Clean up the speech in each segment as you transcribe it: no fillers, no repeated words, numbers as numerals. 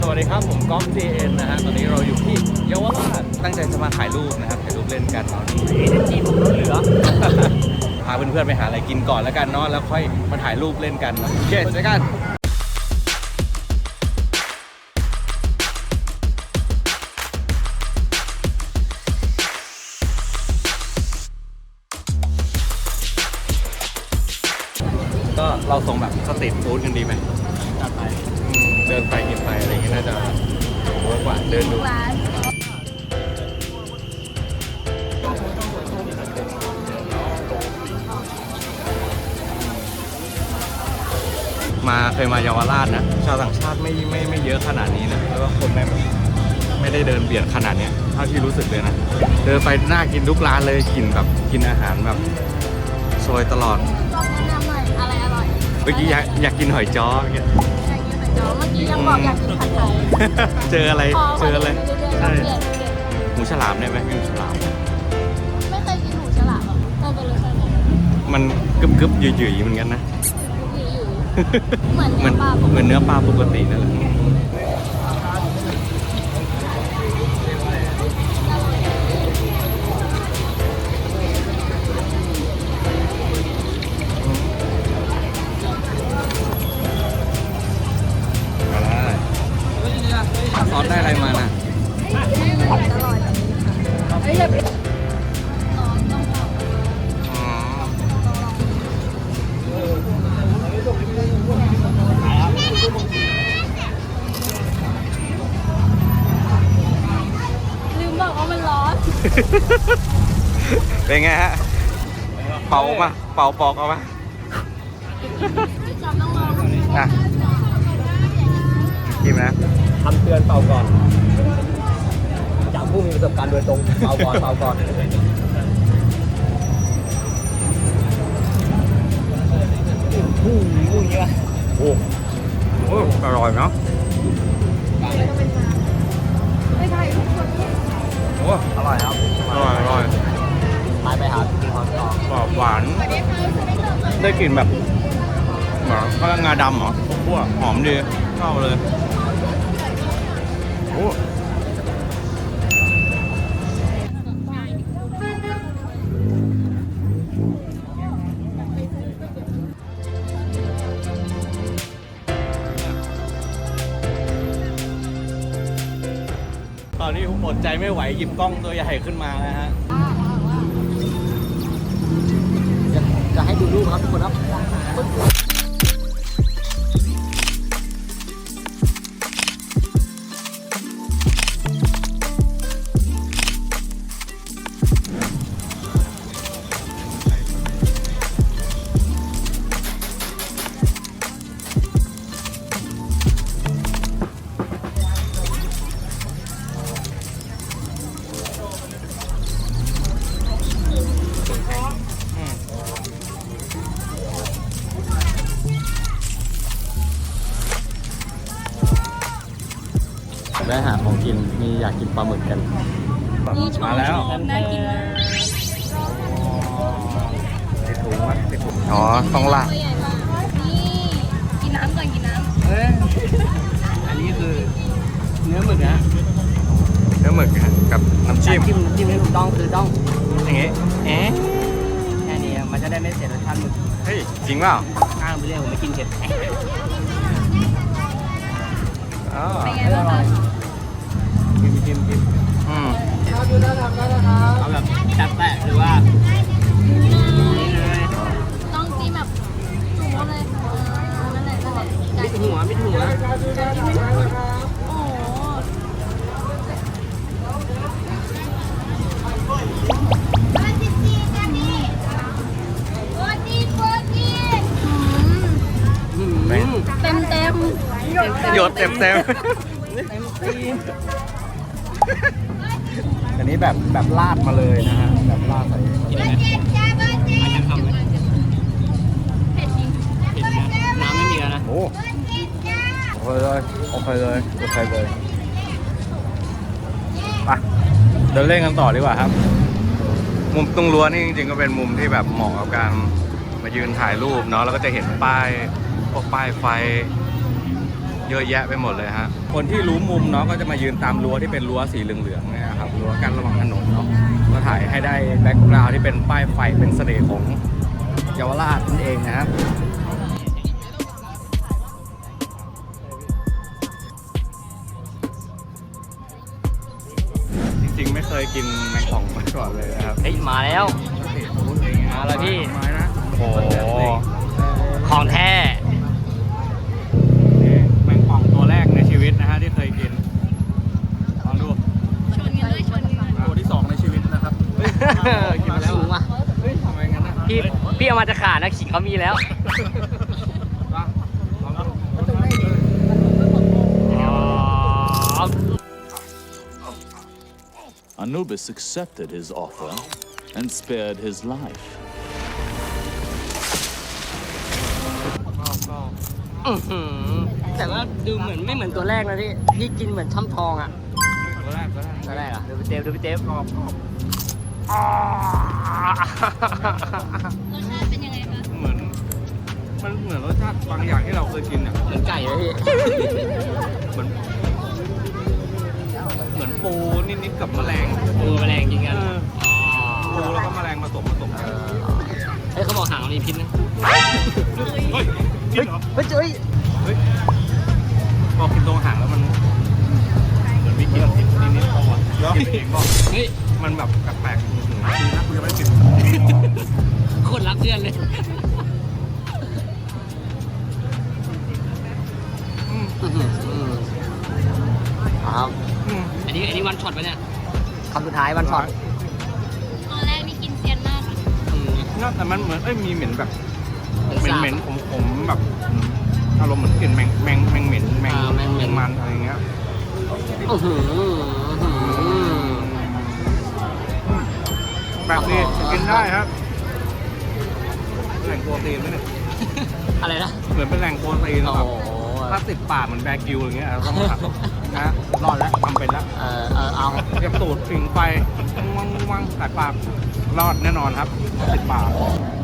สวัสดีครับผมก๊อฟ JN นะฮะตอนนี้เราอยู่ที่เยาวราชตั้งใจจะมาถ่ายรูปนะครับถ่ายรูปเล่นกันเนาะนี่จีนผมล้นเหลือ พาเพื่อนๆไปหาอะไรกินก่อนแล้วกันเนาะแล้วค่อยมาถ่ายรูปเล่นกันโอเคเจอกันก็เราส่งแบบสตรีทฟู้ดกันดีไหมจัดไปเดินไปกินไปอะไรอย่างเงี้ยน่าจะเวิร์กกว่าเดินดูมาเคยมาเยาวราชนะชาวต่างชาติไม่เยอะขนาดนี้นะแล้วก็คนไม่ได้เดินเบียดขนาดเนี้ยเท่าที่รู้สึกเลยนะเดินไปน่ากินทุกร้านเลยกินแบบกินอาหารแบบซอยตลอดอะไรอร่อยเมื่อกี้อยากกินหอยจ้อเมื่อกี้ยังบอกอยากกินผัดไทยเจออะไรใช่หมูฉลามได้ไหมหมูฉลามไม่เคยกินหมูฉลามเป็นรสชาติมันกึบหยุ่ยๆเหมือนกันนะเหมือนเนื้อปลาปกตินั่นแหละซอสได้อะไรมาน่ะลืมบอกว่ามันร้อนเป็นไงฮะเป่ามาเป่าปอกเอามาอ่ะกินนะคำเตือนเป่าก่อนจากผู้มีประสบการณ์โดยตรงเป่าก่อนโอ้อร่อยเนาะโอ้อร่อยครับอร่อยไปหากินของต่อหวานได้กลิ่นแบบเหมือนข้าวงาดำเหรอพวกหอมดีชอบเลยโอ้ตอนนี้ผมอดใจไม่ไหวหยิบกล้องตัวใหญ่ขึ้นมาแล้วฮะจะให้ดูรูปครับทุกคนครับได้หาของกินมีอยากกินปลาหมึกกันมาแล้วน่ากินมากติดถุงวะติดถุงอ๋อต้องละนี่กินน้ำก่อนกินน้ำอันนี้คือเนื้อหมึกนะเนื้อหมึกกับน้ำจิ้มให้ถูกต้องคือต้องอย่างงี้แค่นี้มันจะได้ไม่เสียรสชาติหมึกเฮ้ยจริงเปล่าอ้างไปเรื่อยผมไม่กินเผ็ดอ๋อกินเอาแบบจัดแปะหรือว่าต้องกินแบบจุ่มเลยนั่นแหละมิดหัวโอ้เต็มหยดเต็มอันนี้แบบลาดมาเลยนะฮะแบบลาดใส่กินไหมอาจจะทำไหมเผ็ดจริงน้ำไม่มีแล้วนะโอ้โอเคเลยไปเดินเล่นกันต่อดีกว่าครับมุมตรงรั้วนี่จริงๆก็เป็นมุมที่แบบเหมาะกับการมายืนถ่ายรูปเนาะแล้วก็จะเห็นป้ายพวกป้ายไฟเยอะแยะไปหมดเลยฮะคนที่รู้มุมเนาะก็จะมายืนตามรั้วที่เป็นรั้วสีเหลืองๆเนี่ยครับรั้วกั้นระหว่างถนนเนาะก็ถ่ายให้ได้แบ็กกราวด์ที่เป็นป้ายไฟเป็นเสน่ห์ของเยาวราชนั่นเองนะครับจริงๆไม่เคยกินแมงป่องมาก่อนเลยนะครับเฮ้ยมาแล้วมาแล้วพี่ไม้นะโอ้ของแท้นี่แมงป่องตัวแรกในชีวิตนะฮะที่เคยกินลองดูชนกันด้วยชนกันตัวที่ 2 ในชีวิตนะครับกินมาแล้วสูงว่ะเฮ้ยทำไมงั้นนะพี่เอามาจะขาดนะขิงเขามีแล้วลองดู Anubis accepted his offer and spared his life. อื้อหือแต่ว่าดูเหมือนไม่เหมือนตัวแรกนะพี่กินเหมือนช่ำทองอ่ะตัวแรกตัวแรกอ่ะดูพี่เต้กรอบรสชาติเป็นยังไงคะเหมือนมันเหมือนรสชาติบางอย่างที่เราเคยกินอ่ะเหมือนไก่เลยพี่เหมือนปูนิดๆกับแมลงปูแมลงกินกันปูแล้วก็แมลงผสมกันเฮ้ยเขาบอกหางมันมีพิษนะเฮ้ยจริงเหรอเฮ้ยเฮ้ยเฮ้ยพอกินตรงหางแล้วมันเหมือนมีกลิ่นนิดๆตัวกินเองก็เฮ้ยมันแบบแปลกๆดีนะกูยังไม่ได้กินโคนรักเพื่อนเลย ครับ อันนี้วันช็อตปะเนี่ยคำสุดท้ายวันช็อตตอนแรกนี่กินเซียนมากน่าแต่มันเหมือนเหมีนแบบเหม็นขมๆแบบอารมณ์เหมือนกลิ่นแมงเหม็นแมงมันอะไรเงี้ย แบบนี้กินได้ครับแหล่งโปรตีนไหมเนี่ยอะไรนะเหมือนเป็นแหล่งโปรตีนโอ้แบโหบถ้าติดปากเหมือนแบกิวอย่างเงี้ยเราต้องหักนะรอดแล้วทำเป็นแล้วเอาเตรียมตูดผิงไฟวังสายปากรอดแน่นอนครับติดปาก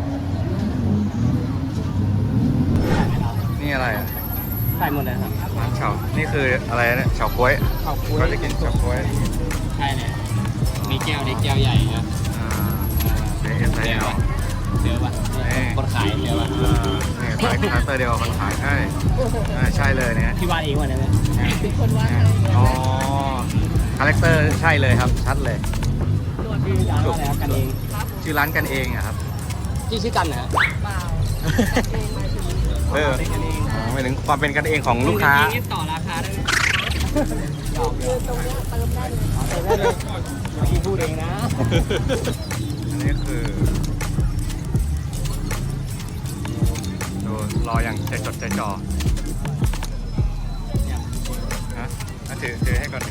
นี่อะไรอ่ะใส่หมดเลยครับเฉานี่คืออะไรเนี่ยเฉาก๊วยก็จะกินเฉาก๊วยใช่เลยมีแก้วเล็กแก้วใหญ่นะเดี๋ยวใส่เอาเดี๋ยวป่ะคนขายเดี๋ยวป่ะนี่ขายคาสเตอร์เดียวกับคนขายใช่ใช่เลยเนี่ยที่วาดเองวันนั้นอ๋อคาแรคเตอร์ใช่เลยครับชัดเลยชื่อร้านอะไรกันเองชื่อร้านกันเองอะครับชื่อกันนะหมายถึงความเป็นกันเองของลูกค้าต่อราคาได้พี่พูดเองนะอันนี้คือดูรออย่างใจจดใจจ่อฮะถือให้ก่อนดิ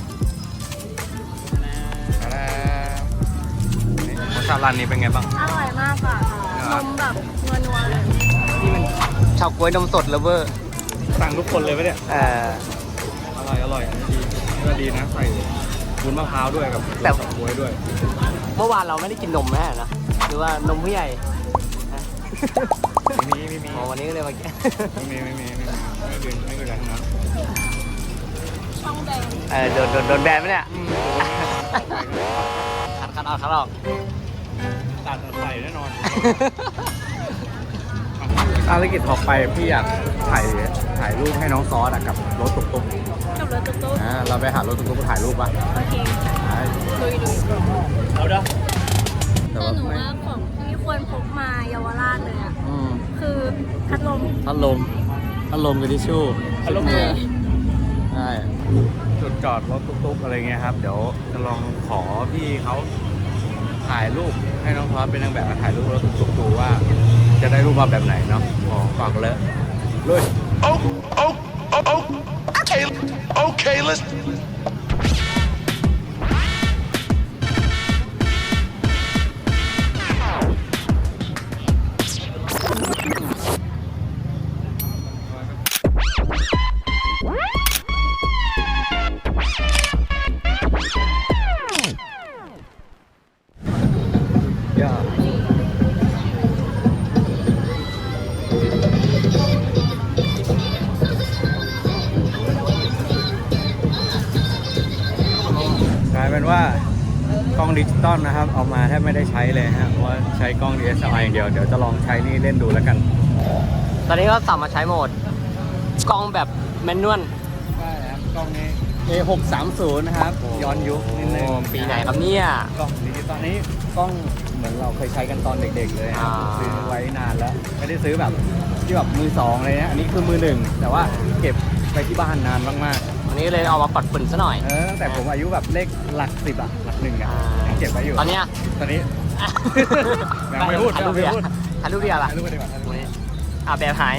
นี่รสชาติร้านนี้เป็นไงบ้างอร่อยมากค่ะนมแบบนัวๆเลยนี่มันชาวกล้วยนมสดเลเวอร์สั่งทุกคนเลยไหมเนี่ยอร่อยอันนี้ดีก็ดีนะใส่วุ้นมะพร้าวด้วยกับกล้วยด้วยเมื่อวานเราไม่ได้กินนมแม่นะหรือว่านมผู้ใหญ่ไม่มีอ๋อวันนี้ก็เลยมาแก้ไม่มีอะไรทั้งนั้นช่องแดงโดนแบนไหมเนี่ยคัดออกตัดใส่แน่นอนภารกิจต่อไปพี่อยากถ่ายรูปให้น้องซอสกับรถตุ๊กกับรถตุ๊กๆเราไปหารถตุ๊กๆถ่ายรูปป่ะโอเคลุยเอาเด้อแต่หนูว่าของที่ควรพกมาเยาวราชเลยอ่ะคือพัดลมพัดลมกับทิชชู่ใช่จุดจอดรถตุ๊กๆอะไรเงี้ยครับเดี๋ยวจะลองขอพี่เขาถ่ายรูปให้น้องซอสเป็นนางแบบมาถ่ายรูปรถตุ๊กๆดูว่าจะได้รูปมาแบบไหนเนาะฝากเลยลุย Okay, let's. ลายเป็นว่ากล้องดิจิตอลนะครับเอามาแทบไม่ได้ใช้เลยฮะเพราะว่าใช้กล้อง DSLR อย่างเดียวเดี๋ยวจะลองใช้นี่เล่นดูแล้วกันตอนนี้ก็สับมาใช้โหมดกล้องแบบแมนนวลใช่ครับกล้องนี้ A630 นะครับย้อนยุคนิดนึงปีไหนครับเนี่ยกล้องดิจิตอลนี้กล้องเหมือนเราเคยใช้กันตอนเด็กๆเลยครับอ่าซื้อไว้นานแล้วไม่ได้ซื้อแบบที่แบบมือสองเลยนะอันนี้คือมือหนึ่งแต่ว่าเก็บไปที่บ้านนานมากๆวันนี้เลยเอามาปัดฝุ่นซะหน่อยตั้งแต่ผมอายุแบบเลขหลัก10อะหลัก1อะยังเก็บไว้อยู่ตอนเนี้ยตอนนี้ ยังไม่พูดถ่ายรูปเดียวยังไม่พูดถ่ายรูปเดียวล่ะถ่ายรูปไปดีกว่าถ่ายรูปวันนี้แบบหาย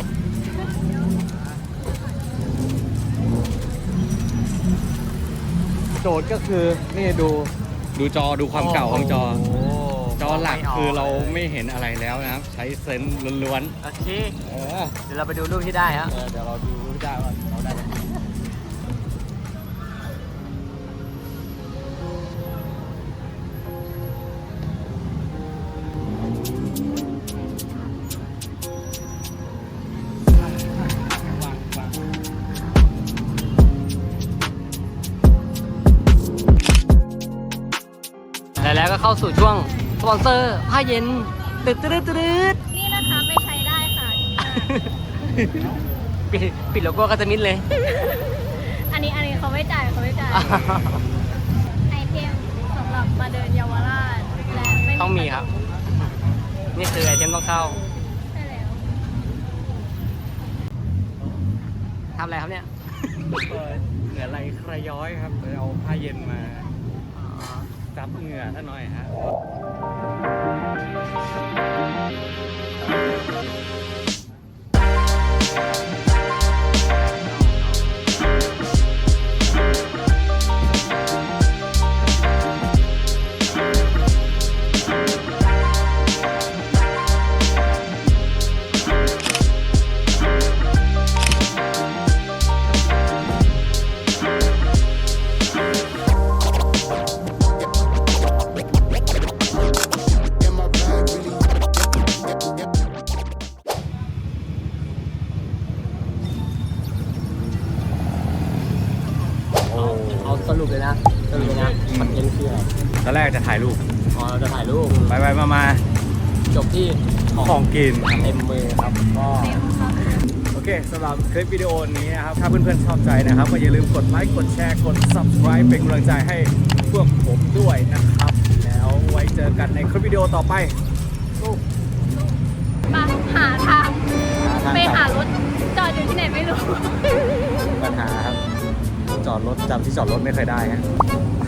โจทย์ก็คือนี่ดูจอดูความเก่าของจอ จอหลักคือเราไม่เห็นอะไรแล้วนะครับ ใช้เซนส์ล้วนโอเคๆเดี๋ยวเราไปดูรูปที่ได้ฮะเดี๋ยวเราดูได้ว่าเราได้ไหมแล้วก็เข้าสู่ช่วงสปอนเซอร์ผ้าเย็นตึ๊ดตึ๊ดตึ๊ดนี่นะคะไม่ใช้ได้ค่ะปิดโลโก้ก็จะมิดเลยอันนี้เขาไม่จ่ายไอเทมสำหรับมาเดินเยาวราชและไม่ต้องมีครับ นี่คือไอเทมต้องเข้าใช่แล้วทำอะไรครับเนี่ยเหงื่อไหลใครย้อยครับเลยเอาผ้าเย็นมาซับเหงื่อท่านหน่อยฮะเอาสรุปเลยนะคอนเทนต์คืออะไรตอนแรกจะถ่ายรูปอ๋อเราจะถ่ายรูปไปมาจบที่ของกินเต็มมือครับก็โอเคสำหรับคลิปวิดีโอนี้นะครับ ถ้าเพื่อนๆชอบใจนะครับก็อย่าลืมกดไลค์กดแชร์กด subscribe เป็นกำลังใจให้พวกผมด้วยนะครับ แล้วไว้เจอกันในคลิปวิดีโอต่อไปสู้มาหาทางไปหารถจอดอยู่ที่ไหนไม่รู้ปัญหาครับจอดรถจำที่จอดรถไม่เคยได้ฮะ